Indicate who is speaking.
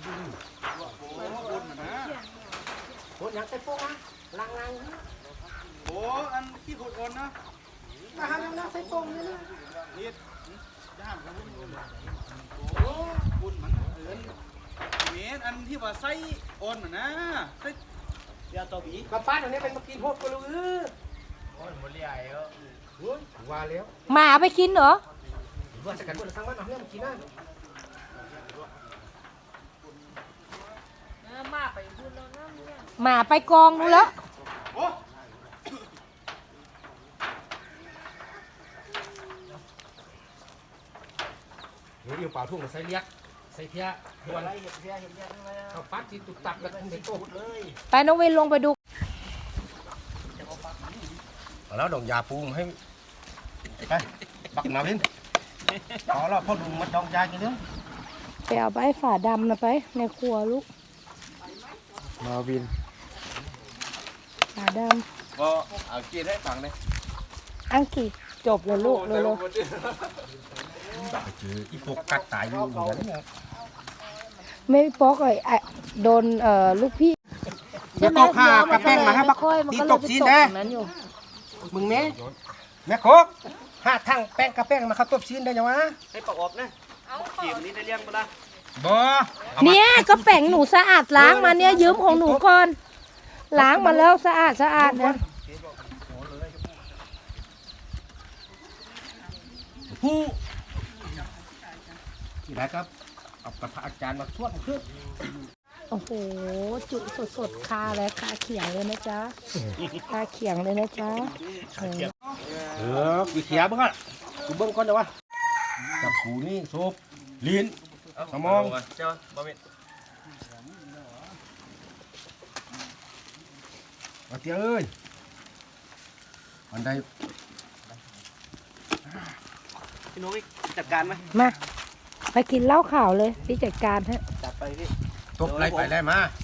Speaker 1: โอ้ยังใส่โป้งนะลัง
Speaker 2: โอ้อันขี้ขุดอ่อนนะ
Speaker 1: มาหายังใส่โป้งนี่นะ
Speaker 2: นี่ย่ามครับโอ้บุญมันเอิญเมนอันที่ว่าไส้อ่อนนะไส้ยาตัวบี
Speaker 1: มาป้าตรงนี้เป็นมากินโหดก็รู้
Speaker 2: โอ้ยหมดเลยเออ
Speaker 1: ว่าแล้ว
Speaker 3: หมาไปกินเหรอ
Speaker 1: ว่าจะกันบุญสร้างบ้านเอาเรื่องมากินนะ
Speaker 3: หมาไปกองดูแล้ว
Speaker 1: เดี๋ยวเปล่าทุ่งใส่เลียกใส่เพี้ยหัวไรเห็ดเพี้ยเอาปัดที่ตุกตับแล้วทุ่งใส่โต๊ะเลย
Speaker 3: ไปน้องวินลงไปดู
Speaker 1: แล้วดองยาปูให้ไปบักนาวินพอแล้วพ่อลุงมัดดองยากินเนื้อ
Speaker 3: ไปเอาใบฝาดำนะไปในครัวลูก
Speaker 1: นาวิน
Speaker 3: ฝาด
Speaker 2: ำก็เอากินให้ฟังเลย
Speaker 3: ำอังกี้จบเลยลูกเลย
Speaker 1: เจออีพวกกัดตายอยู่เหมือนกัน
Speaker 3: ไม่ปอกเลยโดนลูกพี่
Speaker 1: แม่โคกห้ากระแป้งมาให้บักตีตกซีนเด้มึงแม่โคกห้าทั้งแป้งกระแป้งมาเข้าตบซีนได้ยังวะ
Speaker 2: ให้ประกอบนะเขียมนี้ได้เลี้ยงปะล่ะ
Speaker 1: บ่
Speaker 3: เนี่ยก็แป้งหนูสะอาดล้างมาเนี่ยยืมของหนูก่อนล้างมาแล้วสะอาดนะ
Speaker 1: ผู้ที่ไหนครับเอากระพาอาจารย์มาชวดขึ้น
Speaker 3: โอ้โหจุสดคาเลยคาเขียงเลยนะจ๊ะคาเขียงเลยนะจ๊ะ
Speaker 1: วิเขียบ้างอ่ะกูเบิ้งก่อนเดี๋ยววะกับกูนี่โซบลิ้นสมอง
Speaker 2: เจ้าบะหมี่
Speaker 1: มาเตี้ยเอ้ยอันใด
Speaker 2: พี่นุ้ยจัดการไหม
Speaker 3: มาไปกินเหล้าขาวเลยพี่จัดการฮะ
Speaker 2: จัดไปพี่
Speaker 1: ตบไรไปได้มา